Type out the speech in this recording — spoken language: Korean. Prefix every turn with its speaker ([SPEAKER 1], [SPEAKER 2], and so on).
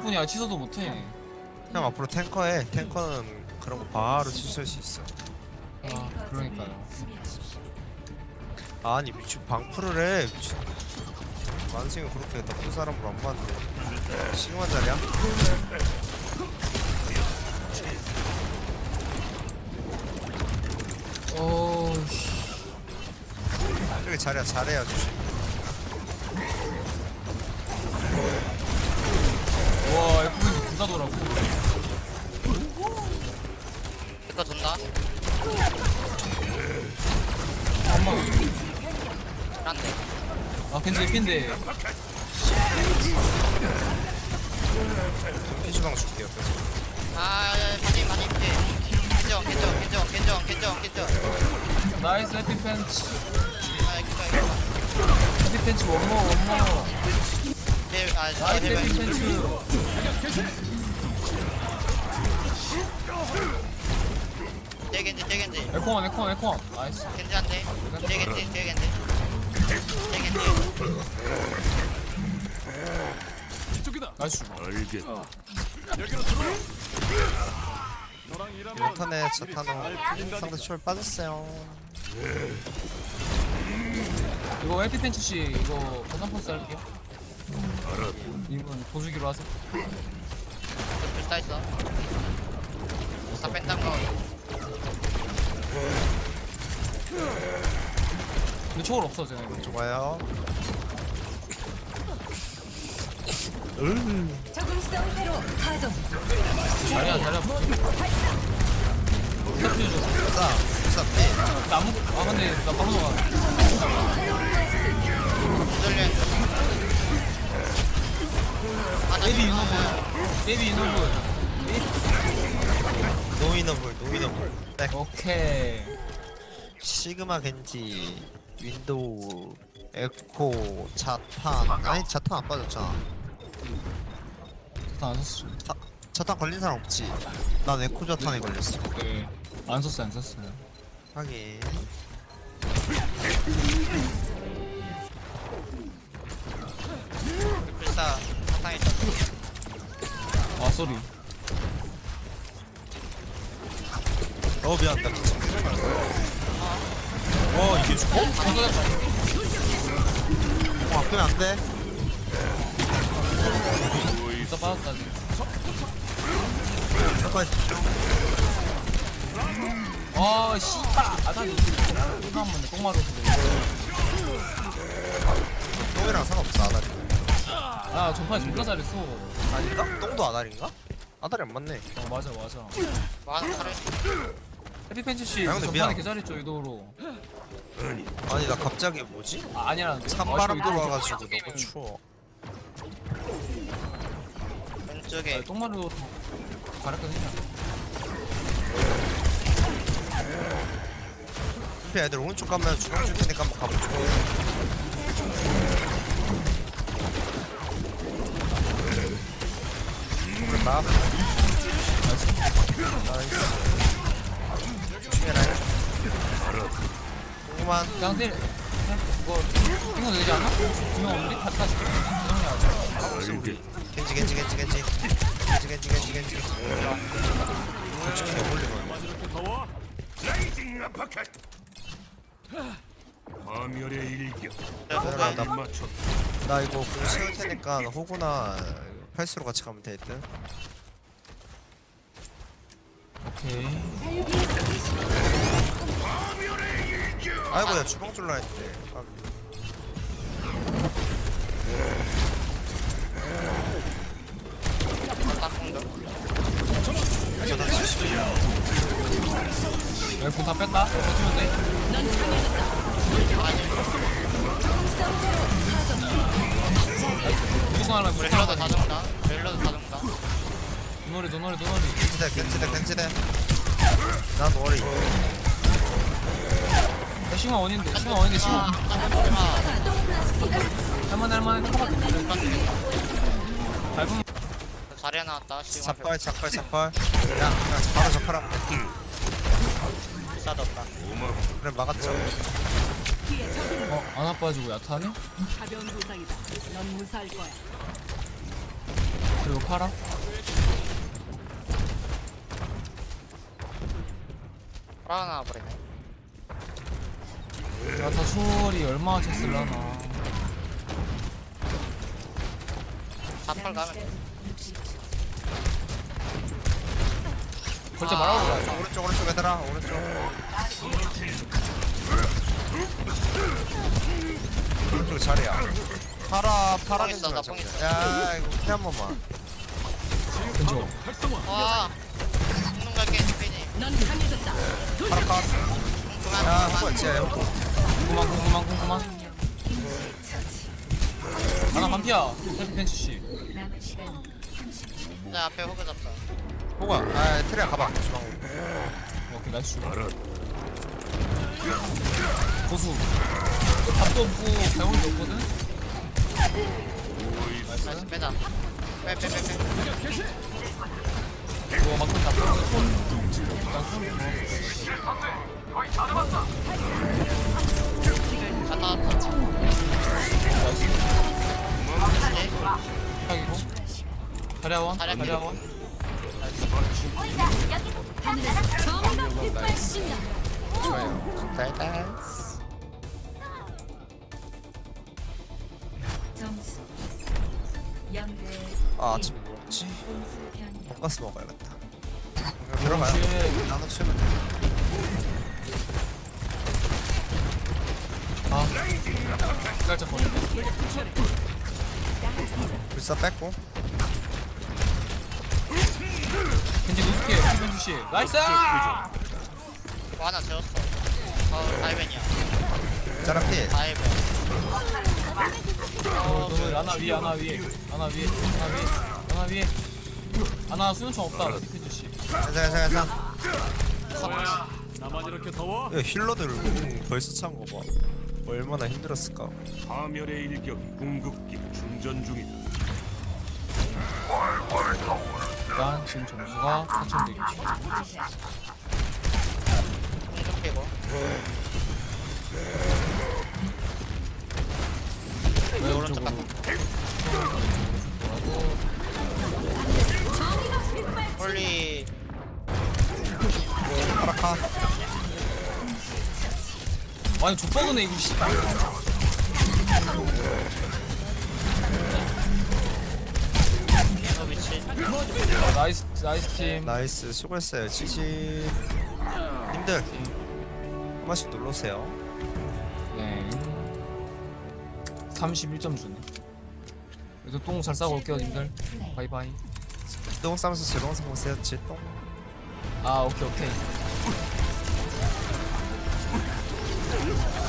[SPEAKER 1] 뿐이야. 취소도 못해.
[SPEAKER 2] 형 앞으로 탱커해. 탱커는 그런 거 바로 취소할 수 있어.
[SPEAKER 1] 아 그러니까요.
[SPEAKER 2] 아니 미친 방풀을 해. 미친. 만승이 그렇게 나쁜 사람으로 안 봤는데. 시그마 자리야?
[SPEAKER 1] 씨.
[SPEAKER 2] 저기 자리야 잘해야 조심.
[SPEAKER 1] 와 F9 둘다 돌아고.
[SPEAKER 3] 이거 돈다.
[SPEAKER 1] 엄마.
[SPEAKER 3] 안돼.
[SPEAKER 1] 아 괜찮아 핀데.
[SPEAKER 2] 피주방 줄게요. 계속.
[SPEAKER 3] 아 많이 겐정.
[SPEAKER 1] 나이스 해피 팬츠.
[SPEAKER 3] 아 이거.
[SPEAKER 1] 해피 팬츠 원모. 나이스 해피
[SPEAKER 3] 제발.
[SPEAKER 1] 팬츠.
[SPEAKER 3] 겐지.
[SPEAKER 1] 에코원. 나이스.
[SPEAKER 3] 겐지 한대. 겐지.
[SPEAKER 1] 나이스.
[SPEAKER 2] 이번 턴에 자탄호 상대 초월 빠졌어요.
[SPEAKER 1] 이거 해피 팬츠 씨 이거 버전 포스 할게요. 이분 보주기로 하세요.
[SPEAKER 3] 불타 있어. 다 뺀다는 거.
[SPEAKER 1] 근데 초월 없어 쟤네.
[SPEAKER 2] 좋아요.
[SPEAKER 4] 적응성 회로 가동.
[SPEAKER 1] 자리야. 스타필 줘.
[SPEAKER 2] 싸 피.
[SPEAKER 1] 나무. 아 근데 나 바로 나가.
[SPEAKER 3] 돌려.
[SPEAKER 1] 베이비 유노블.
[SPEAKER 2] 노이너블. 백.
[SPEAKER 1] 오케이.
[SPEAKER 2] 시그마 겐지 윈도우 에코 자탄. 아니 자탄 안 빠졌잖아.
[SPEAKER 1] 자탄 안 썼어.
[SPEAKER 2] 자탄 걸린 사람 없지. 난 에코 자탄에 걸렸어.
[SPEAKER 1] 네. 안 썼어요.
[SPEAKER 2] 하긴.
[SPEAKER 3] 불사 사탕 있어.
[SPEAKER 1] 아 쏘리.
[SPEAKER 2] 미안 나 미친. 와 이게 죽어? 아프면 안 돼.
[SPEAKER 1] 진짜 빠졌다 지금.
[SPEAKER 2] 잠깐.
[SPEAKER 1] 아 씨발. 아다리. 이거 한 번에 똥마루.
[SPEAKER 2] 똥이랑 상관없어 아다리.
[SPEAKER 1] 아 전파에 존나 잘했어.
[SPEAKER 2] 아닌가? 똥도 아다리인가? 아다리 안 맞네.
[SPEAKER 1] 맞아.
[SPEAKER 3] 와서 칼을.
[SPEAKER 1] 해피 팬츠 씨
[SPEAKER 2] 야, 근데
[SPEAKER 1] 전판에
[SPEAKER 2] 미안.
[SPEAKER 1] 개 잘했죠 유도로.
[SPEAKER 2] 아니 나 갑자기 뭐지?
[SPEAKER 1] 아 아니라는데.
[SPEAKER 2] 찬바람
[SPEAKER 1] 유도로
[SPEAKER 2] 불어가지고
[SPEAKER 1] 좀-
[SPEAKER 2] 너무 추워.
[SPEAKER 3] 왼쪽에.
[SPEAKER 1] 아, 똥마루 잘했거든요.
[SPEAKER 2] 피 애들 오른쪽 가면 주방 줄 테니까 한번 가보죠. 그랬다. 나이스. 조심해라. 조금만.
[SPEAKER 1] 그냥 때 이거 이거 되지 않아? 두명 없는데? 다시 정리하자.
[SPEAKER 2] 겐지. 솔직히 어울리네.
[SPEAKER 5] 파멸의 일격
[SPEAKER 2] 나 이거 공 채울 테니까 호구나 팔스로 같이 가면 될 듯.
[SPEAKER 1] 오케이.
[SPEAKER 2] 아이고 야 주방 줄라 했는데.
[SPEAKER 3] 딱공도.
[SPEAKER 2] 저도 70이야.
[SPEAKER 1] 공다 뺐다. 버티면 돼. 무조건 하려면
[SPEAKER 3] 렐러도 다 죽는다.
[SPEAKER 1] 노노리.
[SPEAKER 2] 겐지대. 난 워리.
[SPEAKER 1] 시간 원인데. 할만해. 밟으면
[SPEAKER 3] 자리에 나왔다. 시간
[SPEAKER 2] 작발. 그냥 바로 작발하면 돼.
[SPEAKER 3] 불사도 없다.
[SPEAKER 2] 그래 막았죠.
[SPEAKER 1] 안 아파가지고 야타네?
[SPEAKER 4] 가벼운 부상이다. 넌 무사할 거야.
[SPEAKER 1] 그리고 파라.
[SPEAKER 3] 파라 나와버리네.
[SPEAKER 1] 야다 초월이 얼마나 쳤을라나.
[SPEAKER 3] 사팔 가면 돼.
[SPEAKER 1] 벌써 말하고 가.
[SPEAKER 2] 오른쪽 얘들아 오른쪽. 오른쪽 자리야. 파라
[SPEAKER 3] 뽕 있어, 나뽕 있어.
[SPEAKER 2] 야 이거 피 한 번만.
[SPEAKER 1] 왼쪽.
[SPEAKER 3] 와. 죽는 갈게, 스피니.
[SPEAKER 2] 파라 컷.
[SPEAKER 3] 그만,
[SPEAKER 2] 야
[SPEAKER 3] 그만.
[SPEAKER 2] 뭐야 쟤.
[SPEAKER 1] 궁금한. 하나 반피야. 해피 벤치 씨.
[SPEAKER 4] 남은 시간
[SPEAKER 3] 내 앞에 호그 잡다.
[SPEAKER 2] 호가. 아 트레야 가봐. 주방.
[SPEAKER 1] 오케이 나이스. 고수. 밥도 없고 배울도 없거든.
[SPEAKER 3] 나이스,
[SPEAKER 1] 나이스.
[SPEAKER 3] 빼자. 빼.
[SPEAKER 1] 이거 막상 잡고 손. 일단 손.
[SPEAKER 3] 갔다 왔다.
[SPEAKER 1] 나이스.
[SPEAKER 3] 네.
[SPEAKER 1] 딱이고. 다리아원.
[SPEAKER 3] 다리아
[SPEAKER 1] 다리아원.
[SPEAKER 4] 정의가 빗발친다.
[SPEAKER 2] 좋아요. 나이스.
[SPEAKER 4] 점수 0대
[SPEAKER 2] 아 아침 뭐 먹지?
[SPEAKER 4] 공수 변경.
[SPEAKER 2] 돈가스 먹어야겠다. 들어가요.
[SPEAKER 1] 쉣.
[SPEAKER 2] 나눠 치면 돼.
[SPEAKER 1] 아. 살짝 걸린다.
[SPEAKER 2] 불사 뺐고.
[SPEAKER 1] 겐지 노스케. 벤치 씨. 나이스.
[SPEAKER 3] 뭐 하나 재웠어. 다이벤이야.
[SPEAKER 2] 짜라피.
[SPEAKER 3] 다이벤.
[SPEAKER 1] 너 하나 위에. 하나 수면총 없다. 벤치 씨.
[SPEAKER 2] 괜찮아.
[SPEAKER 5] 나만 이렇게 더워?
[SPEAKER 2] 야, 힐러들 벌써 찬 거 봐. 얼마나 힘들었을까.
[SPEAKER 5] 파멸의 일격이 궁극기 충전 중이다.
[SPEAKER 1] 일단 지금 점수가 4,100.
[SPEAKER 3] 공중 피고.
[SPEAKER 1] 왜
[SPEAKER 3] 오른쪽
[SPEAKER 1] 오른쪽으로?
[SPEAKER 3] 홀리.
[SPEAKER 2] 파라카.
[SPEAKER 1] 아니 족박이네 이거 씨.
[SPEAKER 3] 이거 미치.
[SPEAKER 1] 나이스 팀.
[SPEAKER 2] 나이스 수고했어요. 70. 님들 한 번씩 눌러오세요.
[SPEAKER 1] 네. 31점 주네. 그래서 똥 잘 싸고 올게요 님들. 바이바이.
[SPEAKER 2] 똥 싸면서 즐거운 보세요. 똥.
[SPEAKER 1] 아 오케이.